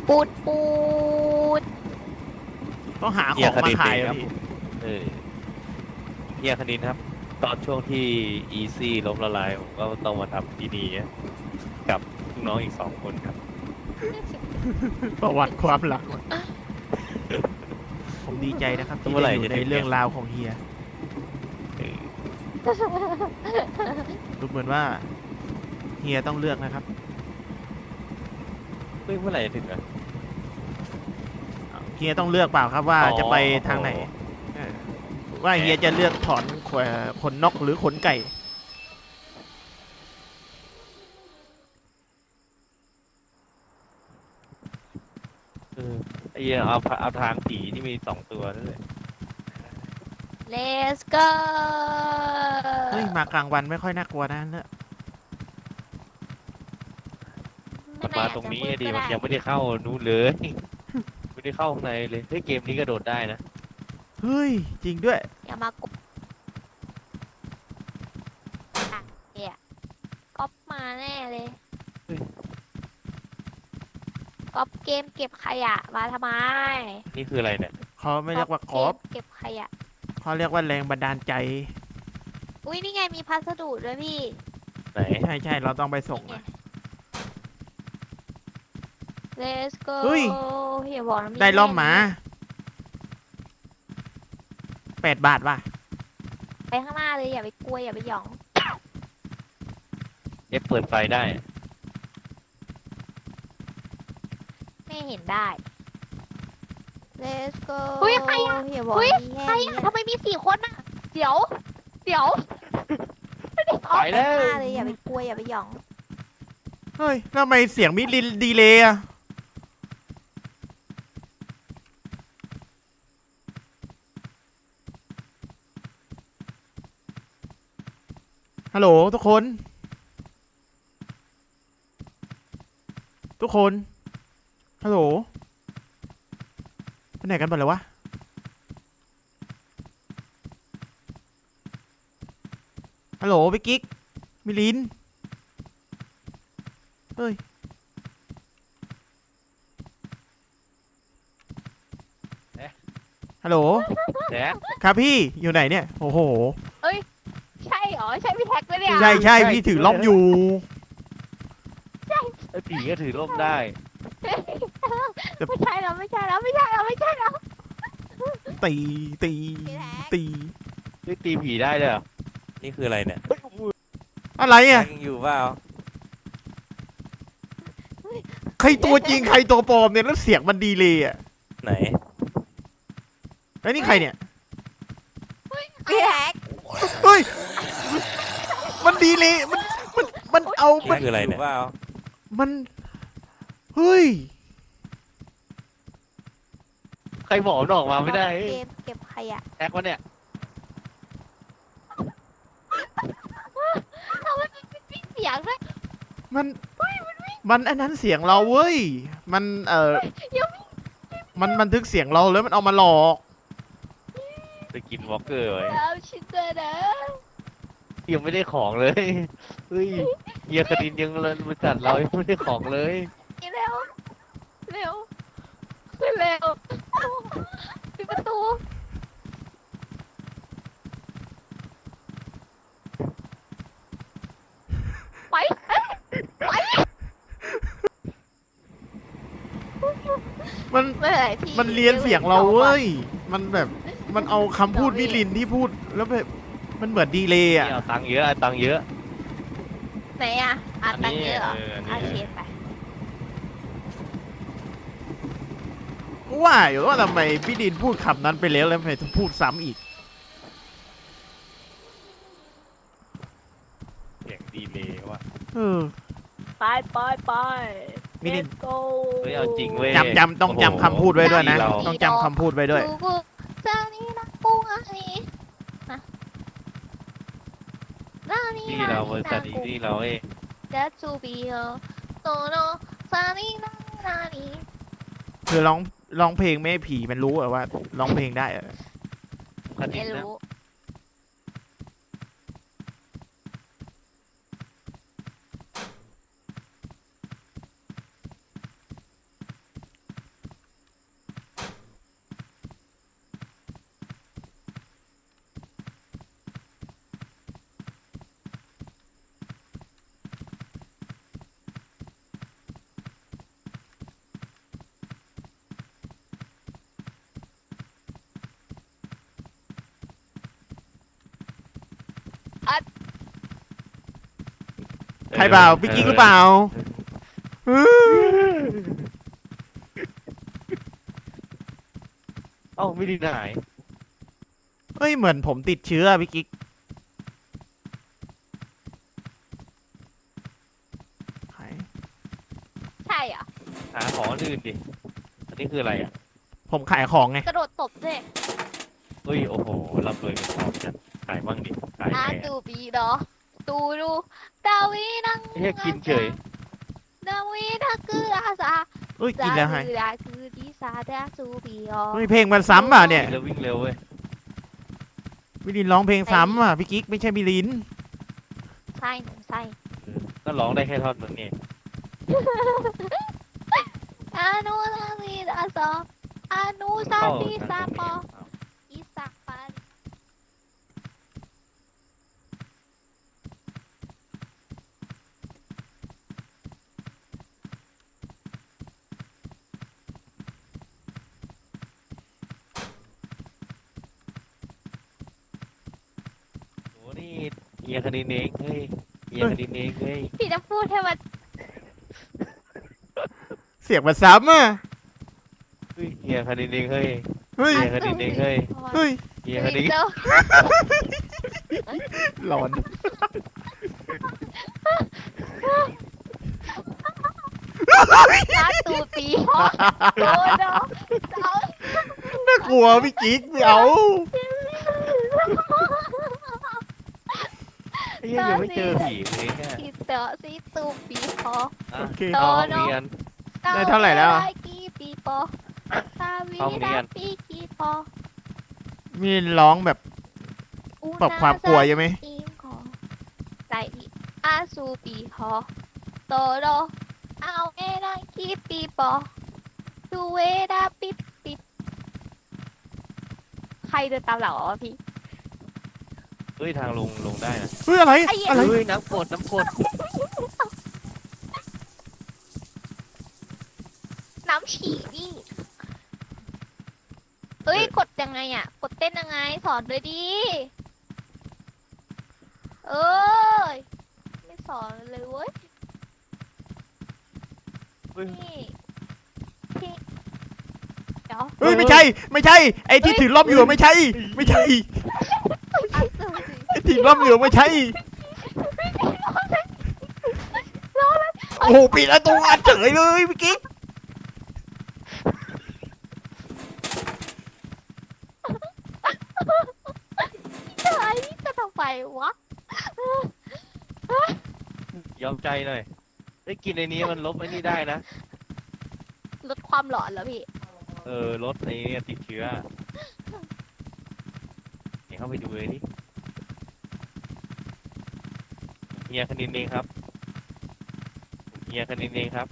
ปูดปูดต้องหาของมาขายอะพี่เฮียคณินครับตอนช่วงที่อีซี่ล้มละลายผมก็ต้องมาทำที่นี่กับลูกน้องอีก2 คนครับประวัติความหลังผมดีใจนะครับที่ได้อยู่ในเรื่องราวของเฮียดูเหมือนว่าเฮียต้องเลือกนะครับเมื่อไหร่จะถึงอ่ะเฮียต้องเลือกเปล่าครับว่าจะไปทางไหนว่าเฮียจะเลือกถอนขนนกหรือขนไก่ไอ้เหี้ยเอาทางผีที่มี2 ตัวนั่นแหละ Let's go เฮ้ยมากลางวันไม่ค่อยน่ากลัวนะเนี่ยมันมาตรงนี้ดิมันยังไม่ได้เข้านู้นเลยไม่ได้เข้าข้างในเลยเฮ้ยเกมนี้กระโดดได้นะเฮ้ยจริงด้วยอย่ามากดก๊อปมาแน่เลยก๊อปเกมเก็บขยะมาทำไมนี่คืออะไรเนี่ยเขาไม่เรียกว่ากอล์ฟเก็บขยะเขาเรียกว่าแรงบันดาลใจอุ้ยนี่ไงมีพัสดุด้วยพี่ไหนใช่เราต้องไปส่งนะ Let's go เฮ้ยอย่าบอกนะได้ล่อมหมา8 บาทว่ะไปข้างหน้าเลยอย่าไปกลัวอย่าไปหยองเปิดไฟได้ไม่เห็นได้ Let's go เฮ้ยใครอะอย่าบอกเฮ้ยมีแค่ใครนี้อะทำไมมี4 คนอะเดี๋ยวไปไปแล้วข้างหน้าเลยอย่าไปกลัวอย่าไปหยองเฮ้ยทำไมเสียงมิดดีเลยอะฮัลโหลทุกคน ฮัลโหลไปไหนกันหมดเลยวะฮัลโหลพี่กิ๊กมิลินเฮ้ยฮัลโหลแจ๊คครับพี่อยู่ไหนเนี่ยโอ้โหใช่เหรอ ใช่พี่แท็กไหมเนี่ยใช่พี่ถือล่มอยู่ไอ้ผีก็ถือร่มได้ไม่ใช่แล้วตีตีพี่แท็กตีนี่ตีผีได้เลยเหรอนี่คืออะไรเนี่ยอะไรอ่ะยังอยู่เปล่าใครตัวจริงใครตัวปลอมเนี่ยแล้วเสียงมันดีเลยอ่ะไหนไอ้นี่ใครเนี่ยพี่แท็กเฮ้ยมันดีเลยมันเอานี่คืออะไรเนี่ยมันเฮ้ยใครบอกมันออกมาไม่ได้เกมเก็บขยะแท็กวะเนี่ยพี่เสียงด้วยมันอันนั้นเสียงเราเว้ยมันมันบันทึกเสียงเราแล้วมันเอามาหลอกไปกินวอล์กเกอร์ไว้แล้วชิเตอร์นะยังไม่ได้ของเลยเฮ้ยเฮียคณินยังบริษัทเรายังไม่ได้ของเลยเร็วขึ้นเร็วปิดประตูไปมันเมื่อไหร่พี่มันเรียนเสียงเราเว้ยมันแบบมันเอาคำพูดมิลินที่พูดแล้วแบบมันเหมือนดีเลยอ่ะนี่เอาตังค์เยอะเอาตังค์เยอะไหนอ่ะตังค์เยอะเหรออันโอนี้เคไปก็ว่าอยู่ว่าทำไมพี่ดินพูดคำนั้นไปแล้วทำไมต้องพูดซ้ำอีกเสียงดีเลยว่ะเออไปมิลิน Let's go เฮ้ยเอาจริงเว้ยจำต้องจำคำพูดไว้ด้วยนะเราต้องจำคำพูดไว้ด้วยกูเจ้านี่นะกุ้งอันนี้นะร้านนี้ที่เราบริษัทนี้ที่เราเองจะจูบีโอโตโนซานี่นะร้านนี้คือร้องเพลงไม่ให้ผีมันรู้อะว่าร้องเพลงได้อะคณิไม่นนะรู้ใครเปล่าพี่กิ๊กหรือเปล่าเอ้าไม่ได้หายเฮ้ยเหมือนผมติดเชื้อพี่กิ๊กใครใช่เหรอหาของอื่นดิอันนี้คืออะไรอ่ะผมขายของไงกระโดดตบด้วยเฮ้ยโอ้โหร่ำรวยเป็นทองจัดขายบ้างดิขายอาไงตูปีดอตูดูดาวีนังเฮ้ยกินเฉยดาวีนักคืออาซาเฮ้ยกินแล้วให้ดาคือดีซาดาซูปีออเฮ้ยเพลงมันซ้ำอ่ะเนี่ยกินแล้ววิ่งเร็วเว้ยมิลินร้องเพลงซ้ำอ่ะพี่กิ๊กไม่ใช่มิลินใช่หนูใช่ก็ร้องได้แค่ท่อนนึงนี่อานุดาวีดาซออานุซาเข้าติทางซาตรงปอนี้เอาอีสักปาริโอ้นี่เฮียคณินเองเฮ้ยเฮียคณินเองเฮ้ยพี่จะพูดให้มันเสียงมันซ้ำอ่ะเฮ้ยเฮียคณินเองเฮ้ยเฮ้ยเฮียคณินเองเฮ้ยเฮ้ยเฮียคณินเจ้าหลอนอาตูปีฮอโดดอเจ้าน่ากลัวพี่กิ๊กไม่เอาเฮียยังไม่เจอผีเลยแค่ทีเตอซีตูปีฮออ่ะโอเคเอาห้องเรียนได้เท่าไหร่แล้วอะกี่ปีปอซาวีห้องเรียดาน ปีกี่ปอมิลินร้องแบบปรับความกลัวใช่ไหมอิงขอไก่อาซูปีฮอโตโรเอาเอนากี่ปีปอดูเวดาปิดปิดใครเดินตามหลังวะพี่เฮ้ยทางลงได้นะเฮ้ยอะไรไอ้เหี้ยอะไรเฮ้ยน้ำกรดน้ำกรดน้ำฉี่นี่เอ้ยกดยังไงอ่ะ กดเต้นยังไงสอนด้วยดิเอ้ยไม่สอนเลยเว้ยเฮ้ยนี่พี่เดี๋ยวเฮ้ยไม่ใช่ไม่ใช่ไอ้ที่ถือล่มอยู่ไม่ใช่ ไม่ใช่อ่ะเดี๋ยวสิไอ้ที่ล่มอยู่ไม่ใช่โอ้โหปิดประตูอัดเฉยเลยพี่กิ๊กเฮ้ยนี่จะทำไมวะยอมใจหน่อยได้กินในนี้มันลบไอ้นี่ได้นะลดความหลอนแล้วพี่ลดไอ้เนี่ยติดเชื้อเดี๋ยวเข้าไปดูเลยดิเฮียคณินเองครับเฮียคณินเองครับ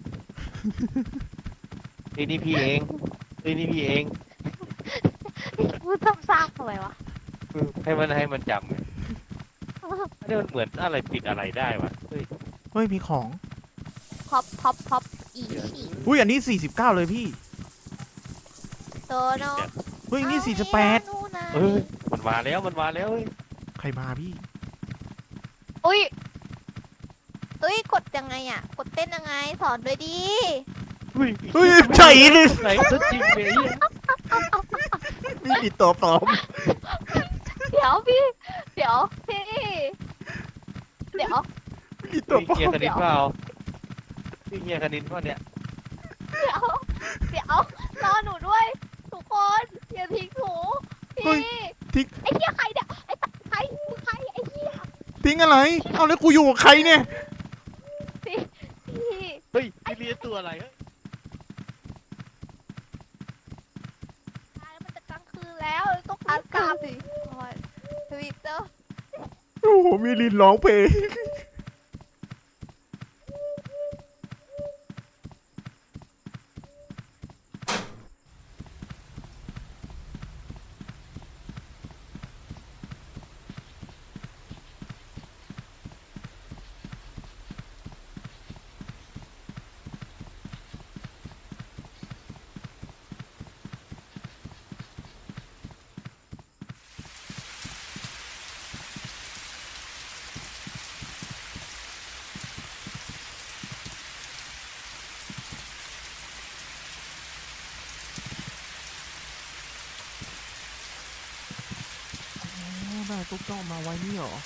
เฮ้ยนี่พี่เองเฮ้ยนี่พี่เองพูดซ้ำๆทำไมวะให้มันจำไงอันนี้มันเหมือนอะไรปิดอะไรได้วะเฮ้ยเฮ้ยมีของพับอีฉี่อุ้ยอันนี้49เลยพี่โตโนเฮ้ยนี่48 เฮ้ยมันมาแล้วเฮ้ยใครมาพี่อุ้ยเอ้ยกดยังไงอ่ะ กดเต้นยังไงสอนด้วยดิเฮ้ยเฮ้ยใช่เลยไหนซะจริงเลยนี่ปิดตัวปลอมเดี๋ยวพี่ เดี๋ยวพี่ เดี๋ยวปิดตัวปลอเฮียมคณินเปล่าพี่เฮียคณินเปล่าเนี่ยเดี๋ยวรอหนูด้วย ทุกคนอย่าทิ้งหนูพี่ไอ้เหี้ยใครเนี่ยไอ้ตั๊กใครมึงใครไอ้เหี้ยทิ้งอะไร เอาแล้วกูอยู่กับใครเนี่ยพี่เฮ้ยพี่เลียตัวอะไรเฮ้ยตายแล้วมันจะกลางคืนแล้วต้องรีบกลับสิทวิตเตอร์โอ้โหมีลินร้องเพลงตุ๊กต้องมาไว้นี่หรอ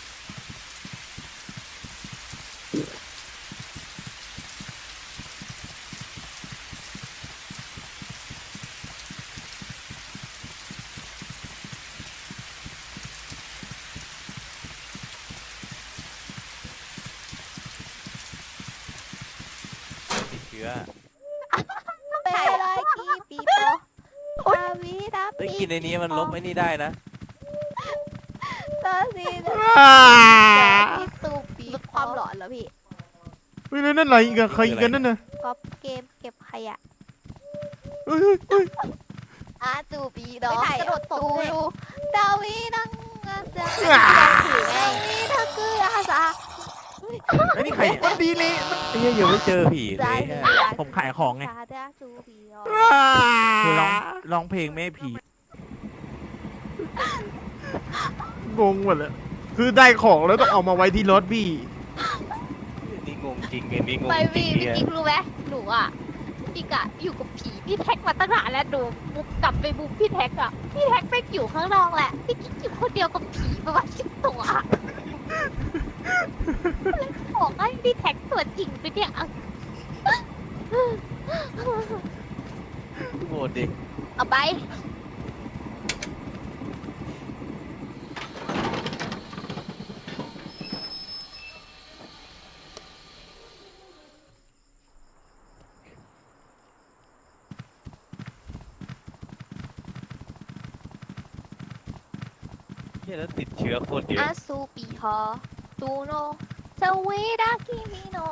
ติดเชื้อเปรอยกีปีโปดาวีดาเฮ้ยปีกินในนี้มันลบไอ้นี่ได้นะตาซีดาอ่าปีตูปีลดความหลอนเหรอพี่เฮ้ยแล้วนั่นอะไรอีกอะใครอีกกันนั่นน่ะก๊อปเกมเก็บขยะเฮ้ยเฮ้ยเฮ้ยอาจูปีดอกกระโดดตบดูดาวีนังอาจารย์ถือไงนี่ถ้าคืออาสาไอ้นี่ใครมันดีเลยไอ้เหี้ยยังไม่เจอผีเลยอะผมขายของไงชาดาจูปีดอกคือร้องเพลงไม่ให้ผีงงหมดเลยคือได้ของแล้วต้องเอามาไว้ที่รถพี่นี่งงจริงไงนี่งงไปจริพี่งพี่เนี่ยกิ๊กรู้ไหมหนูอ่ะพี่กะอยู่กับผีพี่แท็กมาตั้งนานแล้วหนูบุกกลับไปบุกพี่แท็กอ่ะพี่แท็กไปอยู่ข้างนอกแหละพี่กิ๊กอยู่คนเดียวกับผีประมาณ10 ตัวเลยบอกให้พี่แท็กตัวจริงไปเนี่ยโหดดิเอาไปเหี้ยแล้วติดเชื้อโคตรเยอะอาซูปีฮอตูโนเซเวดาคิมิโน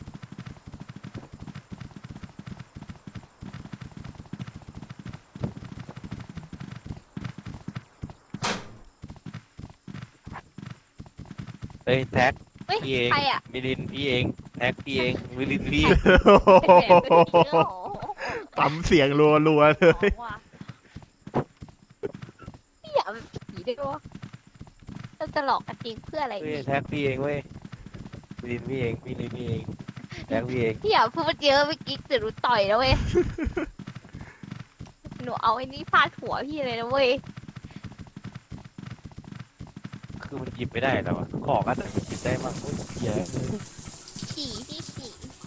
เฮ้ยแท็กเฮ้ยพี่เองใครอ่ะมิลินพี่เองแท็กพี่เองมิลินพี่ตำเสียงรัวๆเลยพี่อยากเป็นผีด้วยวะเราจะหลอกกันจริงเพื่ออะไรเฮ้ยนี่แท็กพี่เองเว้ยมิลินพี่เองมิลินพี่เองแท็กพี่เองพี่อย่าพูดเยอะเมื่อกี้เดี๋ยวหนูต่อยแล้วเว้ย หนูเอาไอ้นี่ฟาดหัวพี่เลยนะเว้ยคือมันหยิบไม่ได้แล้วอะของอันไหนมันหยิบได้บ้างเฮ้ยเหี้ยผีพี่ผี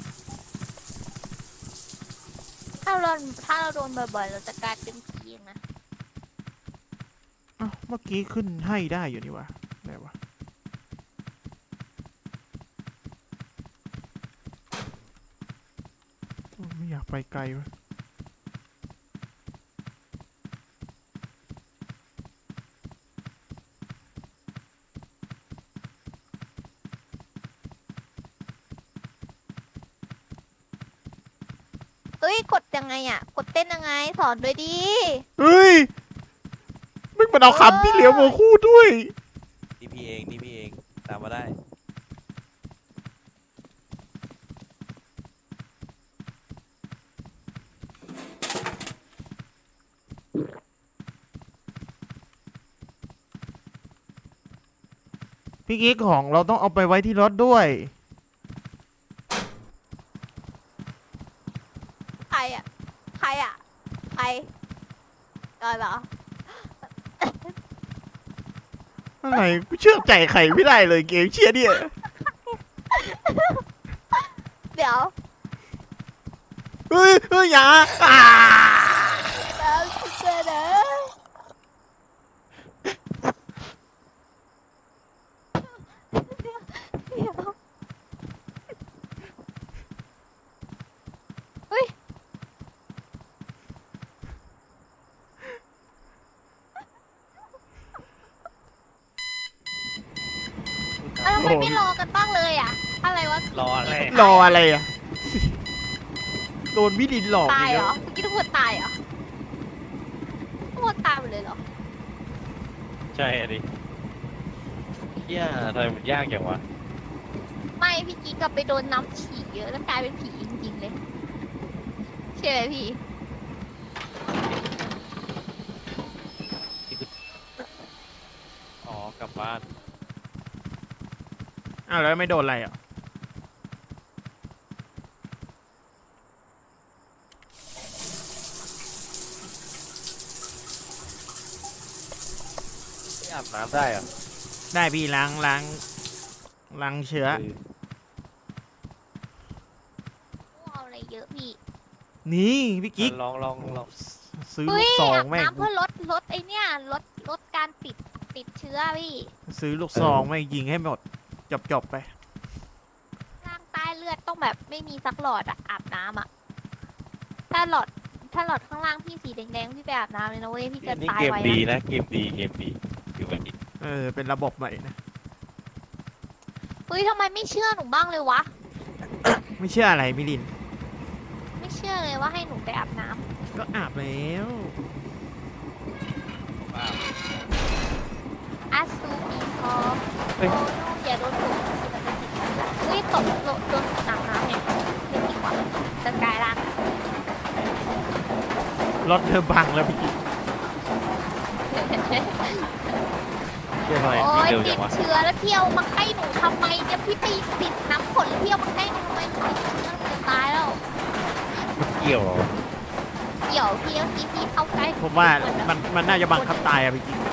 ถ้าเราโดนบ่อยๆเราจะกลายเป็นผีเองนะอ้าวเมื่อกี้ขึ้นให้ได้อยู่นี่วะไหนวะโอ้ยไม่อยากไปไกลวะเอ้ยกดยังไงอ่ะ กดเต้นยังไงสอนด้วยดิเฮ้ยไม่มันเอาคำที่เหลียวมาคู่ด้วยนี่พี่เองนี่พี่เองตามมาได้พี่กิ๊กของเราต้องเอาไปไว้ที่รถด้วยใครอ่ะใครอ่ะใครเหรออะไรกูเชื่อใจใครไม่ได้เลยเกมเชียเนี่ยเดี๋ยวเฮ้ยเฮ้ยอย่าอ่าแล้วเจอเด้อเดี๋ยวแล้วทำไมไม่รอกันบ้างเลยอ่ะ อะไรวะรออะไรรออะไรอ่ะ โดนวิลินหลอกตายอีกเหรแล้อวเมื่อกี้ทุกคนตายเหรอทุกคนตายหมดเลยเหรอใช่อะดิเหี้ยทำไมมันยากอย่างวะไม่พี่กิ๊กกลับไปโดนน้ำฉี่เยอะแล้วกลายเป็นผีจริงๆเลยใช่ไหมพี่อ๋อกลับบ้านอ้าวแล้วไม่โดนอะไรอ่ะไม่อาบน้ำได้เหรอได้พี่ล้างเชื้อเอาอะไรเยอะพี่นี่พี่กิ๊กลองซื้อเฮ้ลูยกซองอาบแม่งน้ำเพื่อลดไอเนี่ยลดการติดเชื้อพี่ซื้อลูกซองแม่งยิงให้หมดจบไปร่างใต้เลือดต้องแบบไม่มีสักหลอดอะอาบน้ำอะถ้าหลอดข้างล่างพี่สีแดงๆพี่ไปอาบน้ำเลยนะเว้ยพี่จะนี่ตายเกมไวดีนะนะเกมดีอยู่แบบนี้เป็นระบบใหม่นะเฮ้ยทำไมไม่เชื่อหนูบ้างเลยวะไม่เชื่ออะไรมิลินไม่เชื่อเลยว่าให้หนูไปอาบน้ำก็อาบแล้วอาซูปีพอโอ้อย่าโดนถูกเฮ้ยตกโดนอาบน้ำเนี่ยไม่ดีกว่าจะกลายร่างรถเธอบังแล้วพี่กิ๊กเชื่อไหมโอ้นี่ยเร็วติจัดงวะเชื้อแล้วเที่ยวมาให้หนูทำไมเนี่ยพี่ไปติดน้ำฝนแล้วเที่ยวมาให้หนูทำไมหนูติดเชื้อหนูจะตายแล้วเกี่ยวเหรอเดี๋ยวพี่เอาทีพี่เข้าใกล้ผมว่ามันน่าจะบังคับตายอะพี่กิ๊ก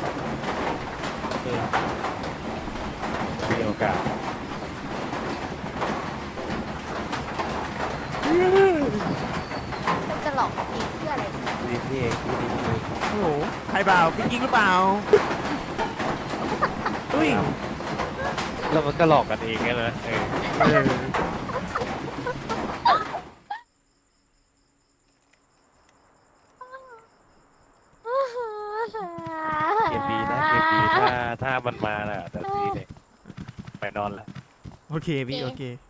มีโอกาสจะหลอกเองเพื่ออะไรดีพี่เองพี่ดีพี่โอ้โหใครเปล่าพี่กิ๊กหรือเปล่าอุ้ยแล้วมันก็หลอกกันเองไงนะเออเออเกมดีนะเกมดีถ้ามันมาน่ะแต่พี่เนี่ยไปนอนละโอเคพี่โอเค